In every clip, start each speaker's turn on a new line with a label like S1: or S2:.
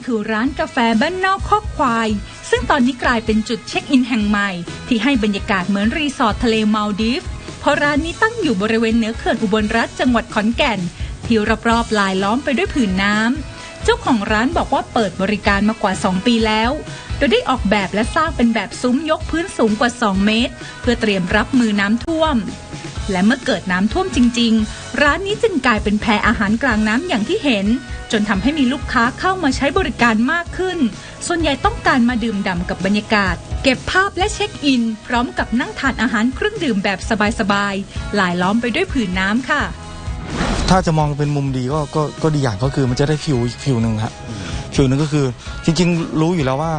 S1: คือร้านกาแฟบ้านนอกคอกควายซึ่งตอนนี้กลายเป็นจุดเช็คอินแห่งใหม่ที่ให้บรรยากาศเหมือนรีสอร์ททะเลมัลดีฟเพราะร้านนี้ตั้งอยู่บริเวณเหนือเขื่อนอุบลรัฐจังหวัดขอนแก่นที่รอบๆลายล้อมไปด้วยผืนน้ำเจ้าของร้านบอกว่าเปิดบริการมากว่า2 ปีแล้วโดยได้ออกแบบและสร้างเป็นแบบซุ้มยกพื้นสูงกว่า2 เมตรเพื่อเตรียมรับมือน้ำท่วมและเมื่อเกิดน้ำท่วมจริงๆร้านนี้จึงกลายเป็นแพอาหารกลางน้ำอย่างที่เห็นจนทำให้มีลูกค้าเข้ามาใช้บริการมากขึ้นส่วนใหญ่ต้องการมาดื่มด่ำกับบรรยากาศเก็บภาพและเช็คอินพร้อมกับนั่งทานอาหารเครื่องดื่มแบบสบายๆลายล้อมไปด้วยผืนน้ำค่ะ
S2: ถ้าจะมองเป็นมุมดีก็ดีอย่างก็คือมันจะได้ฟิวหนึ่งครับฟิวหนึ่งก็คือจริงๆรู้อยู่แล้วว่า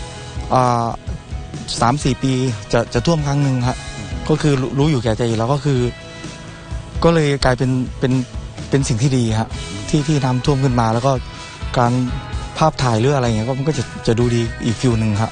S2: 3-4 ปีจะท่วมครั้งหนึ่งครับก็คือรู้อยู่แก่ใจอยู่แล้วก็คือก็เลยกลายเป็นสิ่งที่ดีครับที่น้ำท่วมขึ้นมาแล้วก็การภาพถ่ายหรืออะไรอย่างเงี้ยก็มันก็จะดูดีอีกฟิวหนึ่งครับ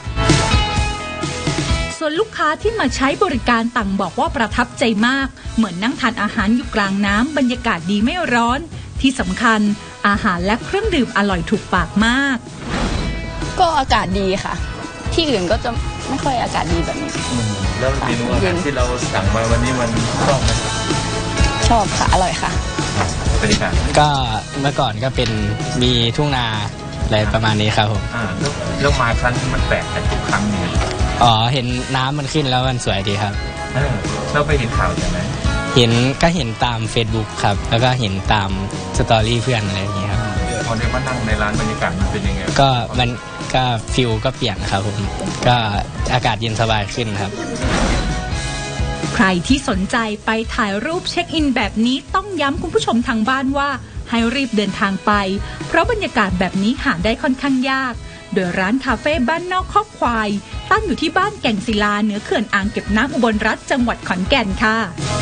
S1: ส่วนลูกค้าที่มาใช้บริการต่างบอกว่าประทับใจมากเหมือนนั่งทานอาหารอยู่กลางน้ำบรรยากาศดีไม่ร้อนที่สำคัญอาหารและเครื่องดื่มอร่อยถูกปากมาก
S3: ก็อากาศดีค่ะที่อื่นก็จะไม่ค่อยอากาศดีแบบนี้
S4: แล้วเมนูอาหารที่เราสั่งมาวันนี้มันชอบไหม
S3: ชอบค่ะอร่อยค่ะ
S4: บรรยากาศ
S5: ก็เมื่อก่อนก็เป็นมีทุ่งนาอะไรประมาณนี้ครับผม
S4: แล้วมาครั้งนี้มันแปลกจากทุกครั้งเนี่ย
S5: เห็นน้ำมันขึ้นแล้วมันสวยดีครับ
S4: เราไปเห็นข่าวใช่ไหม
S5: เห็นตาม Facebook ครับแล้วก็เห็นตามสตอรี่เพื่อนอะไรอย่างเงี้ยครับ
S4: พอได้มานั่งในร้านบรรยากาศมันเป็นยังไง
S5: ก็ฟิลก็เปลี่ยนครับผมก็อากาศเย็นสบายขึ้นครับ
S1: ใครที่สนใจไปถ่ายรูปเช็คอินแบบนี้ต้องย้ำคุณผู้ชมทางบ้านว่าให้รีบเดินทางไปเพราะบรรยากาศแบบนี้หาได้ค่อนข้างยากโดยร้านคาเฟ่บ้านนอกคอกควายตั้งอยู่ที่บ้านแก่งศิลาเหนือเขื่อนอ่างเก็บน้ำอุบลรัฐจังหวัดขอนแก่นค่ะ